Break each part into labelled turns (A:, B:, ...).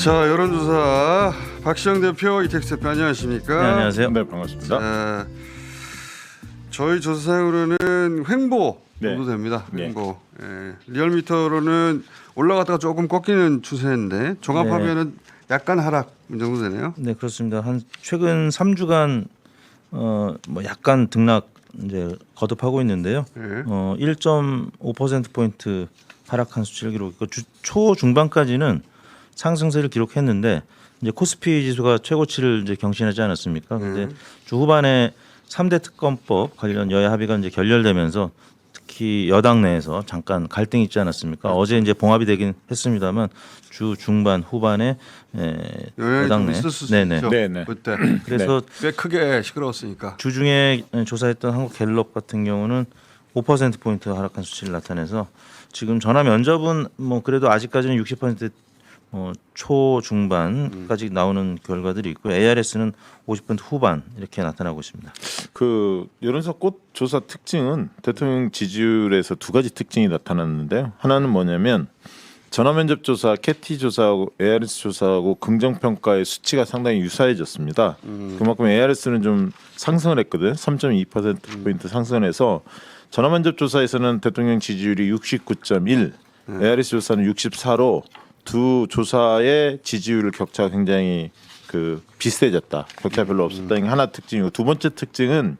A: 자, 여론조사 박시영 대표, 이택수 대표 안녕하십니까?
B: 네, 안녕하세요.
C: 네, 반갑습니다.
A: 자, 저희 조사상으로는 횡보 정도
C: 네.
A: 됩니다.
C: 네.
A: 횡보. 예. 리얼미터로는 올라갔다가 조금 꺾이는 추세인데 종합하면은 약간 하락 이 정도 되네요.
B: 네, 그렇습니다. 한 최근 3주간 뭐 약간 등락 이제 거듭하고 있는데요.
A: 예.
B: 1.5% 포인트 하락한 수치를 기록했고 초 중반까지는 상승세를 기록했는데 이제 코스피 지수가 최고치를 이제 경신하지 않았습니까? 근데 주 후반에 3대 특검법 관련 여야 합의가 이제 결렬되면서 특히 여당 내에서 잠깐 갈등이 있지 않았습니까? 어제 이제 봉합이 되긴 했습니다만 주 중반 후반에
A: 영향이
B: 여당
A: 좀
B: 내
A: 있었을 수
B: 네네.
A: 있죠.
C: 네네.
A: 그때
B: 그래서
A: 꽤 크게 시끄러웠으니까.
B: 주중에 조사했던 한국갤럽 같은 경우는 5% 포인트 하락한 수치를 나타내서 지금 전화 면접은 뭐 그래도 아직까지는 60% 초중반까지 나오는 결과들이 있고 ARS는 50% 후반 이렇게 나타나고 있습니다.
C: 그 여론조사 꽃 조사 특징은 대통령 지지율에서 두 가지 특징이 나타났는데요. 하나는 뭐냐면 전화면접 조사, 캐티 조사하고 ARS 조사하고 긍정평가의 수치가 상당히 유사해졌습니다. 그만큼 ARS는 좀 상승을 했거든. 3.2% 포인트 상승을 해서 전화면접 조사에서는 대통령 지지율이 69.1, ARS 조사는 64로 두 조사의 지지율 격차가 굉장히 그 비슷해졌다. 격차 별로 없었다는 게 하나 특징이고, 두 번째 특징은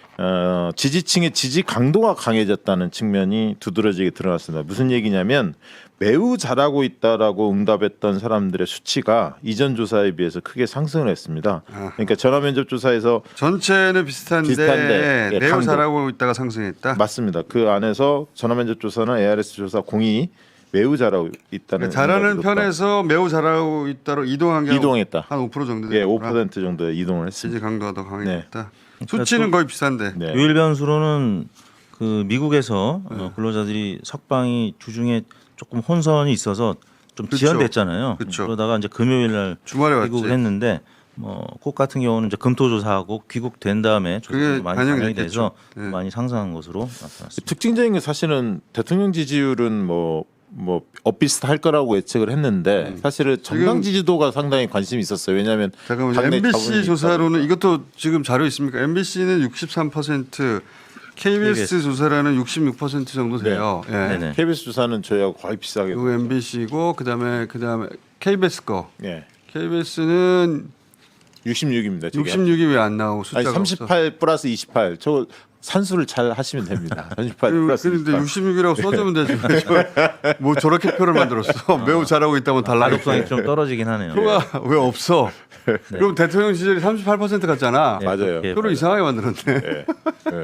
C: 지지층의 지지 강도가 강해졌다는 측면이 두드러지게 드러났습니다. 무슨 얘기냐면 매우 잘하고 있다라고 응답했던 사람들의 수치가 이전 조사에 비해서 크게 상승을 했습니다. 그러니까 전화면접 조사에서
A: 전체는 비슷한데
C: 예,
A: 매우
C: 강도.
A: 잘하고 있다가 상승했다.
C: 맞습니다. 그 안에서 전화면접 조사나 ARS 조사 공이 매우 잘하고 있다는
A: 잘하는
C: 응답이 높다.
A: 편에서 매우 잘하고 있다로 이동한 게
C: 이동했다.
A: 한 5% 정도
C: 예,
A: 되구나.
C: 5% 정도 이동을
A: 지지
C: 했습니다.
A: 강도가 더 강해졌다.
B: 그러니까
A: 수치는 거의 비슷한데.
C: 네.
B: 유일 변수로는 그 미국에서 근로자들이 석방이 주중에 조금 혼선이 있어서 좀
A: 그쵸.
B: 지연됐잖아요.
A: 그쵸.
B: 그러다가 이제 금요일 날
A: 주말에
B: 귀국을
A: 왔지.
B: 했는데 꼭 같은 경우는 이제 금토 조사하고 귀국된 다음에
A: 그게
B: 조사가 많이
A: 반영이
B: 반영이
A: 됐겠죠.
B: 돼서
A: 네.
B: 많이 상승한 것으로 나타났습니다.
C: 특징적인 게 사실은 대통령 지지율은 뭐 엇비슷할 거라고 예측을 했는데 사실은 정당
A: 지금-
C: 지지도가 상당히 관심이 있었어요. 왜냐하면
A: 잠깐만요.
C: 당내
A: MBC
C: 자본이
A: 조사로는
C: 있다
A: 이것도 지금 자료 있습니까? MBC는 63%, KBS 조사라는 66% 정도 돼요. 예.
B: 네네.
C: KBS 조사는 저희하고 거의 비슷하게.
A: 그리고 MBC고 그다음에 KBS 거.
C: 예,
A: KBS는
C: 66입니다.
A: 66이 왜 안 나오고 숫자가
C: 아니 38 플러스 28. 저 산수를 잘 하시면 됩니다. 38 플러스
A: 그런데
C: 28.
A: 66이라고 써주면 되지. 뭐 저렇게 표를 만들었어. 매우 잘하고 있다면 달라겠지.
B: 가독성이 좀 떨어지긴 하네요.
A: 표가 왜 없어? 그럼 대통령 시절이 38% 같잖아.
B: 네,
C: 맞아요.
B: 그렇게
A: 표를 이상하게 만들었네.
C: 예, 예.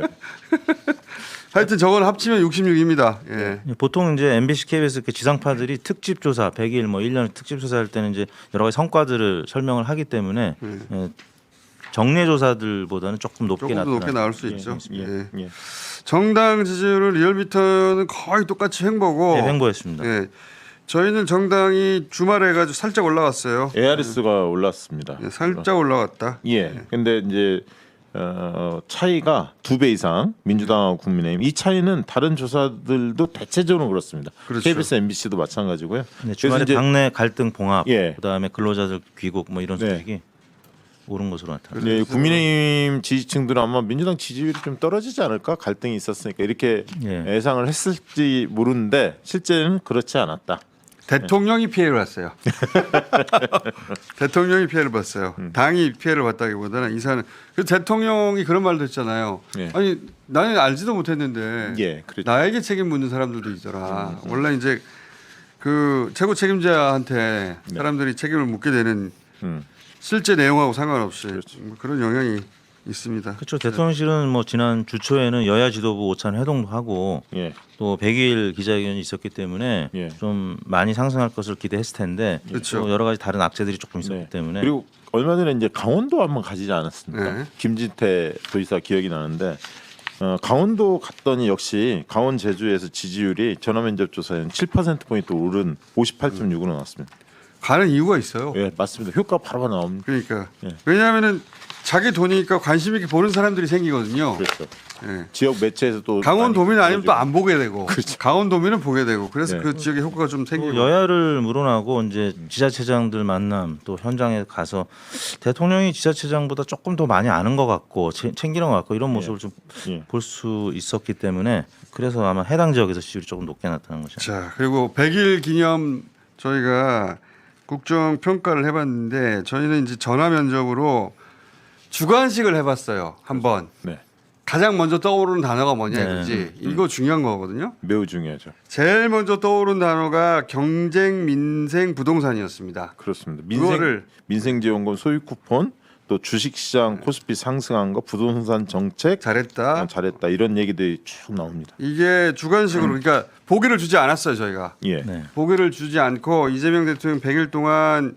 A: 하여튼 저걸 합치면 66입니다. 예.
B: 보통 이제 MBC, KBS 이렇게 지상파들이 특집 조사 100일 뭐 1년 특집 조사할 때는 이제 여러 가지 성과들을 설명을 하기 때문에 정례 조사들보다는 조금 높게
A: 조금 더 높게
B: 나타나.
A: 나올 수 있죠.
C: 예,
A: 예.
C: 예.
A: 정당 지지율은 리얼미터는 거의 똑같이 횡보고.
B: 네, 횡보했습니다.
A: 예. 저희는 정당이 주말에 해가지고 살짝 올라갔어요.
C: ARS가 올랐습니다.
A: 예, 살짝 올라갔다.
C: 예. 근데 이제 차이가 2배 이상 민주당하고 국민의힘 이 차이는 다른 조사들도 대체적으로 그렇습니다.
A: 그렇죠.
C: KBS, MBC도 마찬가지고요.
B: 네,
C: 그래서
B: 주말에
C: 이제
B: 당내 갈등 봉합,
C: 예.
B: 그다음에 근로자들 귀국 뭐 이런
C: 네.
B: 소식이 오른 것으로 나타났습니다.
C: 예, 국민의힘 지지층들은 아마 민주당 지지율이 좀 떨어지지 않을까 갈등이 있었으니까 이렇게
B: 예.
C: 예상을 했을지 모르는데 실제는 그렇지 않았다.
A: 대통령이 피해를 봤어요. 대통령이 피해를 봤어요. 당이 피해를 봤다기보다는 이사는 그 대통령이 그런 말도 했잖아요.
C: 예.
A: 아니 나는 알지도 못했는데
C: 예, 그렇죠.
A: 나에게 책임 묻는 사람들도 있더라. 원래 이제 그 최고 책임자한테 사람들이 책임을 묻게 되는
C: 음.
A: 실제 내용하고 상관없이 뭐 그런 영향이 있습니다.
B: 그렇죠. 대통령실은 뭐 지난 주 초에는 여야 지도부 오찬 회동도 하고
C: 예.
B: 또 100일 기자회견이 있었기 때문에
C: 예.
B: 좀 많이 상승할 것을 기대했을 텐데
A: 그렇죠.
B: 또 여러 가지 다른 악재들이 조금 있었기
C: 네.
B: 때문에
C: 그리고 얼마 전에 이제 강원도 한번 가지지 않았습니까?
A: 네.
C: 김진태 도지사 기억이 나는데 강원도 갔더니 역시 강원 제주에서 지지율이 전화면접 조사에는 7% 포인트 오른 58.6으로 나왔습니다.
A: 가는 이유가 있어요.
C: 예, 맞습니다. 효과 바로 나옵니다.
A: 그러니까
C: 예.
A: 왜냐하면은 자기 돈이니까 관심 있게 보는 사람들이 생기거든요.
C: 그렇죠.
A: 예.
C: 지역 매체에서 또
A: 강원도민
C: 많이
A: 아니면 또 안 보게 되고
C: 그렇죠.
A: 강원도민은 보게 되고 그래서
C: 네.
A: 그 지역에 효과가 좀 생기고
B: 또 여야를 물어나고 이제 지자체장들 만남 또 현장에 가서 대통령이 지자체장보다 조금 더 많이 아는 것 같고 챙기는 것 같고 이런 모습을 좀
C: 예.
B: 볼 수 있었기 때문에 그래서 아마 해당 지역에서 지지율이 조금 높게 나타난 거죠.
A: 자 그리고 100일 기념 저희가 국정 평가를 해봤는데 저희는 이제 전화 면접으로 주관식을 해봤어요. 한번
C: 네.
A: 가장 먼저 떠오르는 단어가 뭐냐
B: 네.
A: 이거지. 이거 중요한 거거든요.
C: 매우 중요하죠.
A: 제일 먼저 떠오른 단어가 경쟁, 민생, 부동산이었습니다.
C: 그렇습니다.
A: 그거를-
C: 민생지원금 소유 쿠폰 또 주식시장 코스피 상승한 거 부동산 정책
A: 잘했다.
C: 잘했다 이런 얘기들이 쭉 나옵니다.
A: 이게 주관식으로 그러니까 보기를 주지 않았어요 저희가.
C: 예.
B: 네.
A: 보기를 주지 않고 이재명 대통령 100일 동안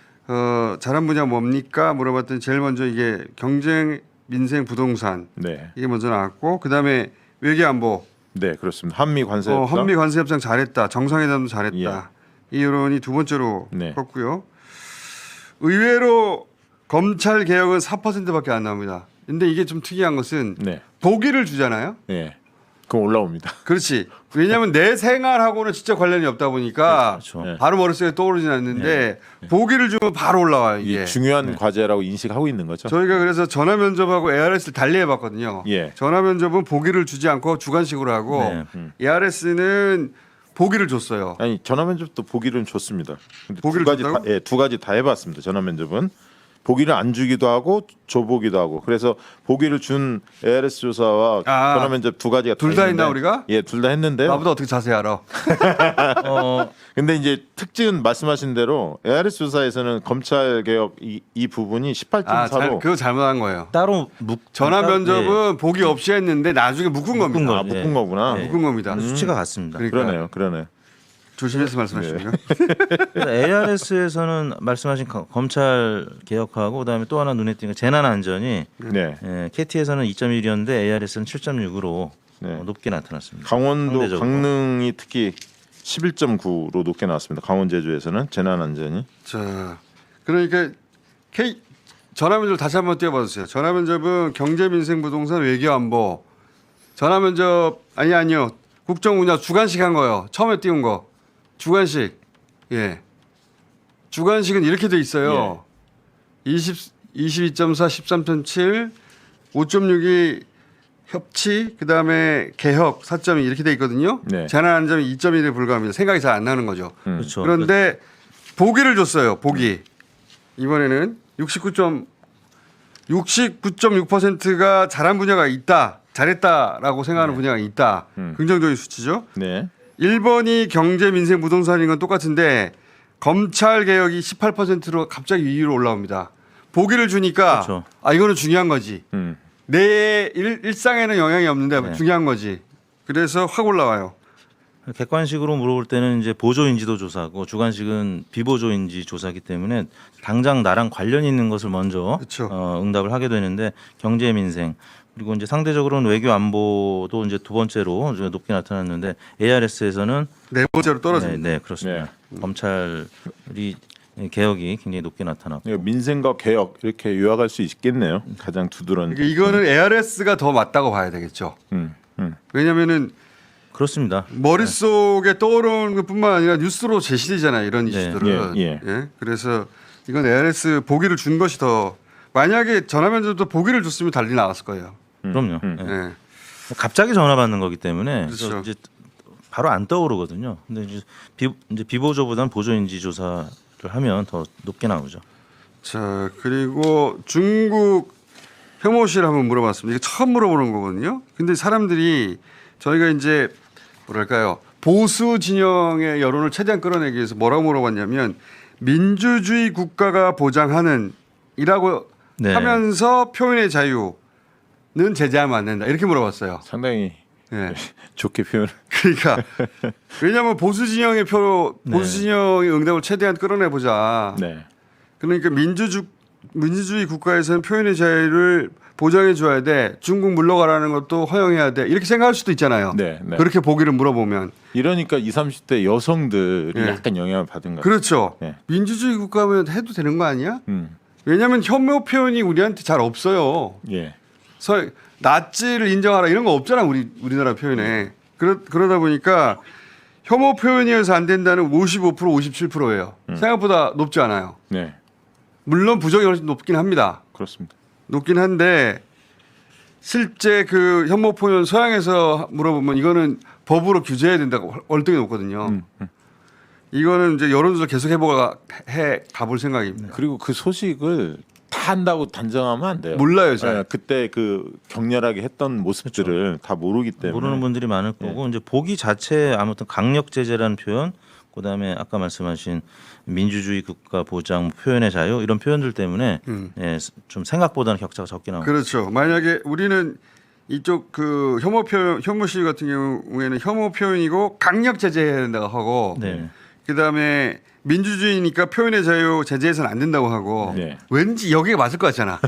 A: 잘한 분야 뭡니까 물어봤더니 제일 먼저 이게 경쟁, 민생, 부동산
C: 네.
A: 이게 먼저 나왔고 그다음에 외교안보,
C: 네, 그렇습니다. 한미 관세 협상.
A: 한미 관세협상 잘했다, 정상회담도 잘했다. 이 여론이 두 번째로
C: 네.
A: 컸고요. 의외로 검찰 개혁은 4%밖에 안 나옵니다. 근데 이게 좀 특이한 것은
C: 네.
A: 보기를 주잖아요.
C: 예. 그럼 올라옵니다.
A: 그렇지. 왜냐하면 내 생활하고는 직접 관련이 없다 보니까
B: 그렇죠.
C: 네.
A: 바로 머릿속에 떠오르진 않는데 보기를 주면 바로 올라와요
C: 이게
A: 이게.
C: 중요한 과제라고 인식하고 있는 거죠.
A: 저희가 그래서 전화 면접하고 ARS를 달리 해봤거든요.
C: 예.
A: 전화 면접은 보기를 주지 않고 주관식으로 하고
B: 네.
A: ARS는 보기를 줬어요.
C: 아니 전화 면접도 보기는 좋습니다. 근데
A: 보기를
C: 두 가지
A: 줬다고?
C: 다, 예, 두 가지 다 해봤습니다. 전화 면접은 보기를 안 주기도 하고 줘보기도 하고 그래서 보기를 준 ARS 조사와
A: 아,
C: 전화 면접 두 가지가
A: 둘다
C: 있는데,
A: 했나, 우리가?
C: 예, 둘 다 했는데
A: 나보다 어떻게 자세히 알아?
C: 근데 이제 특징은 말씀하신 대로 ARS 조사에서는 검찰 개혁 이 부분이 18.4로
A: 그거 잘못한 거예요.
B: 따로
A: 전화
B: 따로-
A: 면접은 보기 없이 했는데 나중에 묶은 겁니다.
B: 거.
C: 묶은
B: 예.
C: 거구나.
B: 네.
A: 묶은 겁니다.
B: 수치가 같습니다.
A: 그러니까
C: 그러네요.
A: 조심해서 말씀하시고요.
B: ARS에서는 말씀하신 검찰 개혁하고 그다음에 또 하나 눈에 띄는 게 재난 안전이
C: 네.
B: KT에서는 2.1이었는데 ARS는 7.6으로
C: 네.
B: 높게 나타났습니다.
C: 강원도
B: 상대적으로.
C: 강릉이 특히 11.9로 높게 나왔습니다. 강원 제주에서는 재난 안전이.
A: 자, 그러니까 전화 면접 다시 한번 띄워봐 주세요. 전화 면접은 경제, 민생, 부동산, 외교, 안보. 전화 면접 아니요. 국정 분야 주관식 한 거요. 처음에 띄운 거. 주관식. 예. 주관식은 이렇게 돼 있어요. 22.4, 13.7, 5.6이 협치, 그다음에 개혁 4.2 이렇게 돼 있거든요.
C: 네.
A: 재난 안전이 2.1에 불과합니다. 생각이 잘 안 나는 거죠.
B: 그렇죠.
A: 그런데 보기를 줬어요. 보기. 이번에는 69.6%가 잘한 분야가 있다. 잘했다라고 생각하는 분야가 있다. 긍정적인 수치죠.
C: 네.
A: 1번이 경제, 민생, 부동산인 건 똑같은데 검찰 개혁이 18%로 갑자기 위로 올라옵니다. 보기를 주니까
B: 그렇죠.
A: 이거는 중요한 거지.
C: 음.
A: 내 일상에는 영향이 없는데
B: 네.
A: 중요한 거지. 그래서 확 올라와요.
B: 객관식으로 물어볼 때는 이제 보조 인지도 조사고 주관식은 비보조 인지 조사이기 때문에 당장 나랑 관련 있는 것을 먼저
A: 그렇죠.
B: 응답을 하게 되는데 경제 민생 그리고 이제 상대적으로는 외교 안보도 이제 두 번째로 이제 높게 나타났는데 ARS에서는
A: 네 번째로 떨어집니다.
B: 네, 그렇습니다. 검찰이 개혁이 굉장히 높게 나타났고
C: 민생과 개혁 이렇게 요약할 수 있겠네요. 가장 두드러진.
A: 그러니까 이거는 ARS가 더 맞다고 봐야 되겠죠. 왜냐하면은
B: 그렇습니다.
A: 머릿속에 떠오르는 것뿐만 아니라 뉴스로 제시되잖아요. 이런
B: 네.
A: 이슈들은.
C: 예.
A: 그래서 이건 ARS 보기를 준 것이 더 만약에 전화 면접도 보기를 줬으면 달리 나왔을 거예요.
B: 그럼요.
C: 음.
B: 예.
A: 예.
B: 갑자기 전화 받는 거기 때문에 그래서
A: 그렇죠.
B: 이제 바로 안 떠오르거든요. 근데 이제 비보조보다는 보조 인지 조사를 하면 더 높게 나오죠.
A: 자 그리고 중국 혐오시를 한번 물어봤습니다. 이게 처음 물어보는 거거든요. 근데 사람들이 저희가 이제 뭐랄까요 보수 진영의 여론을 최대한 끌어내기 위해서 뭐라고 물어봤냐면 민주주의 국가가 보장하는 이라고
B: 네.
A: 하면서 표현의 자유는 제재하면 안 된다 이렇게 물어봤어요.
C: 상당히
A: 예.
C: 좋게 표현.
A: 그러니까 왜냐하면 보수 진영의 보수 진영의 응답을 최대한 끌어내 보자.
C: 네.
A: 그러니까 민주주의 국가에서는 표현의 자유를 보장해 줘야 돼. 중국 물러가라는 것도 허용해야 돼. 이렇게 생각할 수도 있잖아요.
C: 네, 네.
A: 그렇게 보기를 물어보면.
C: 이러니까 20, 30대 여성들이
A: 예.
C: 약간 영향을 받은 것 같아요.
A: 그렇죠.
C: 네.
A: 민주주의 국가면 해도 되는 거 아니야? 왜냐하면 혐오 표현이 우리한테 잘 없어요.
C: 예.
A: 나치를 인정하라 이런 거 없잖아 우리나라 표현에. 그러다 보니까 혐오 표현이어서 안 된다는 55% 57%예요. 생각보다 높지 않아요.
C: 네.
A: 물론 부정이 훨씬 높긴 합니다.
C: 그렇습니다.
A: 높긴 한데 실제 그 혐오 표현 서양에서 물어보면 이거는 법으로 규제해야 된다고 월등히 높거든요. 이거는 이제 여론조사 계속 해 가볼 생각입니다.
C: 그리고 그 소식을 다 한다고 단정하면 안 돼요.
A: 몰라요, 잘.
C: 예, 그때 그 격렬하게 했던 모습들을 다 모르기 때문에
B: 모르는 분들이 많을 거고 이제 보기 자체에 아무튼 강력 제재라는 표현, 그다음에 아까 말씀하신 민주주의 국가 보장, 표현의 자유 이런 표현들 때문에 예, 좀 생각보다는 격차가 적게 나옵니다.
A: 그렇죠. 만약에 우리는 이쪽 그 혐오 시위 같은 경우에는 혐오 표현이고 강력 제재해야 된다고 하고
B: 네.
A: 그다음에 민주주의니까 표현의 자유 제재해서는 안 된다고 하고
C: 네.
A: 왠지 여기가 맞을 것 같잖아.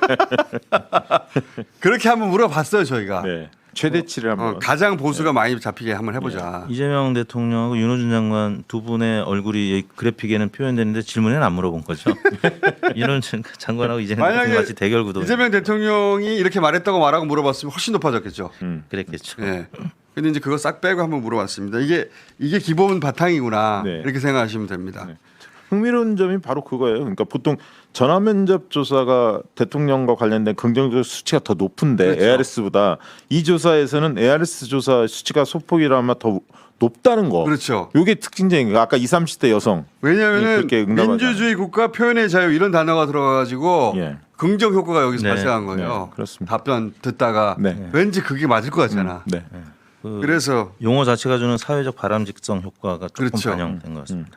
A: 그렇게 한번 물어봤어요 저희가.
C: 네. 최대치를 한번
A: 가장 보수가 많이 잡히게 한번 해보자.
B: 이재명 대통령하고 윤호준 장관 두 분의 얼굴이 이 그래픽에는 표현되는데 질문에는 안 물어본 거죠. 윤호준 장관하고 이재명 대통령
A: 만약에
B: 같이 대결 구도.
A: 이재명 대통령이 이렇게 말했다고 말하고 물어봤으면 훨씬 높아졌겠죠.
B: 그랬겠죠.
A: 예. 근데 이제 그거 싹 빼고 한번 물어봤습니다. 이게 기본 바탕이구나
C: 네.
A: 이렇게 생각하시면 됩니다.
C: 네. 흥미로운 점이 바로 그거예요. 그러니까 보통 전화 면접 조사가 대통령과 관련된 긍정적 수치가 더 높은데
A: 그렇죠.
C: ARS보다 이 조사에서는 ARS 조사 수치가 소폭이라면 더 높다는 거.
A: 그렇죠.
C: 이게 특징적인 거. 아까 20, 30대 여성.
A: 왜냐하면
C: 그렇게 응답하지
A: 민주주의 국가 표현의 자유 이런 단어가 들어가가지고
C: 예.
A: 긍정 효과가 여기서
B: 네.
A: 발생한 거예요.
C: 네, 그렇습니다.
A: 답변 듣다가
C: 네.
A: 왠지 그게 맞을 것 같잖아.
C: 네.
A: 그래서
B: 용어 자체가 주는 사회적 바람직성 효과가 조금
A: 그렇죠.
B: 반영된 것 같습니다.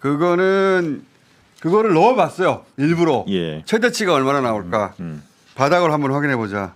A: 그거를 넣어봤어요. 일부러
C: 예.
A: 최대치가 얼마나 나올까 바닥을 한번 확인해 보자.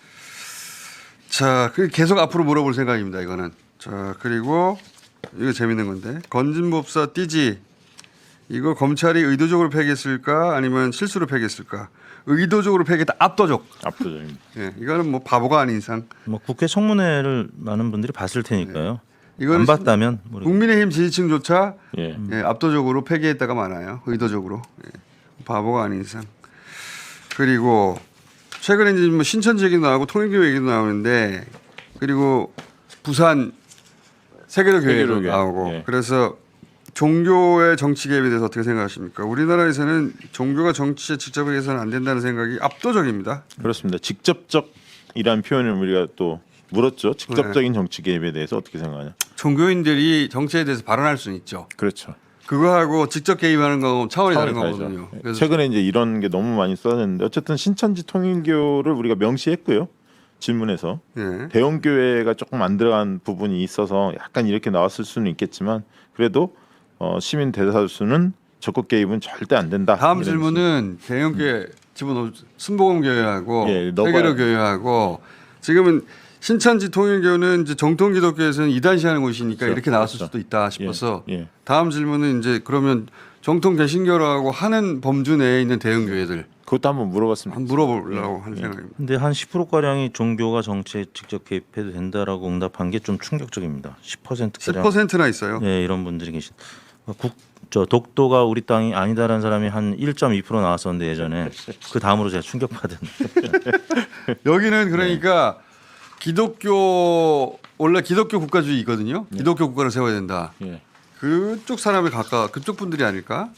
A: 자, 계속 앞으로 물어볼 생각입니다. 이거는. 자, 그리고 이거 재밌는 건데 건진법사 띠지 이거 검찰이 의도적으로 폐기했을까 아니면 실수로 폐기했을까? 의도적으로 폐기했다. 압도적입니다. 예, 이거는 뭐 바보가 아닌 이상.
B: 뭐 국회 청문회를 많은 분들이 봤을 테니까요.
A: 이거는
B: 안 봤다면 모르겠어요.
A: 국민의힘 지지층조차
C: 예.
A: 예, 압도적으로 폐기했다가 많아요. 의도적으로. 예, 바보가 아닌 이상. 그리고 최근에 이제 뭐 신천지 얘기도 나오고 통일교 얘기도 나오는데 그리고 부산 세계도교회도
C: 세계도교회.
A: 나오고
C: 예.
A: 그래서 종교의 정치 개입에 대해서 어떻게 생각하십니까? 우리나라에서는 종교가 정치에 직접 해서는 안 된다는 생각이 압도적입니다.
C: 그렇습니다. 직접적이란 표현을 우리가 또 물었죠. 직접적인 정치 개입에 대해서 어떻게 생각하냐?
A: 종교인들이 정치에 대해서 발언할 수는 있죠.
C: 그렇죠.
A: 그거하고 직접 개입하는 거 차원이 다른
C: 다르죠.
A: 거거든요. 그래서
C: 최근에 이제 이런 게 너무 많이 써졌는데 어쨌든 신천지 통일교를 우리가 명시했고요. 질문에서
A: 예.
C: 대형교회가 조금 안 들어간 부분이 있어서 약간 이렇게 나왔을 수는 있겠지만 그래도 시민 대다수는 적극 개입은 절대 안 된다.
A: 다음
C: 이런
A: 질문은 대형교회 집어넣어 순복음교회하고
C: 예, 넣어봐요.
A: 세계로교회하고 지금은 신천지 통일교는 이제 정통 기독교에서는 이단시하는 곳이니까
C: 그렇죠.
A: 이렇게 나왔을
C: 그렇죠.
A: 수도 있다 싶어서
C: 예.
A: 다음 질문은 이제 그러면 정통 개신교라고 하는 범주 내에 있는 대형교회들
C: 그것도 한번 물어봤습니다.
A: 한번 물어보려고 하는 생각입니다.
B: 근데 한 10% 가량이 종교가 정치에 직접 개입해도 된다라고 응답한 게 좀 충격적입니다. 10% 가량.
A: 10%나 있어요.
B: 예, 이런 분들이 계신. 독도가 우리 땅이 아니다라는 사람이 한 1.2% 나왔었는데 예전에 그 다음으로 제가 충격받은.
A: 여기는 그러니까 기독교 원래 기독교 국가주의거든요. 기독교 국가를 세워야 된다.
C: 예.
A: 그쪽 사람이 그쪽 분들이 아닐까?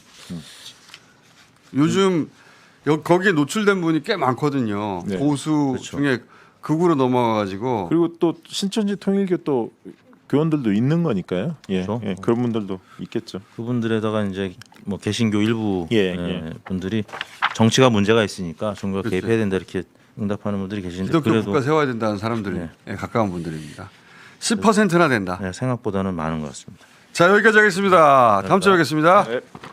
A: 요즘 거기에 노출된 분이 꽤 많거든요.
C: 네.
A: 보수 중에 극으로 넘어가가지고
C: 그리고 또 신천지 통일교 또 교원들도 있는 거니까요. 예.
B: 그렇죠.
C: 예. 그런 분들도 있겠죠.
B: 그분들에다가 이제 뭐 개신교 일부
C: 예.
B: 분들이 정치가 문제가 있으니까 종교가
A: 그렇죠.
B: 개입해야 된다 이렇게 응답하는 분들이 계신데
A: 기독교
B: 그래도
A: 국가 세워야 된다는 사람들에 가까운 분들입니다. 10%나 된다.
B: 생각보다는 많은 것 같습니다.
A: 자 여기까지 하겠습니다. 다음 주에 뵙겠습니다.
C: 네.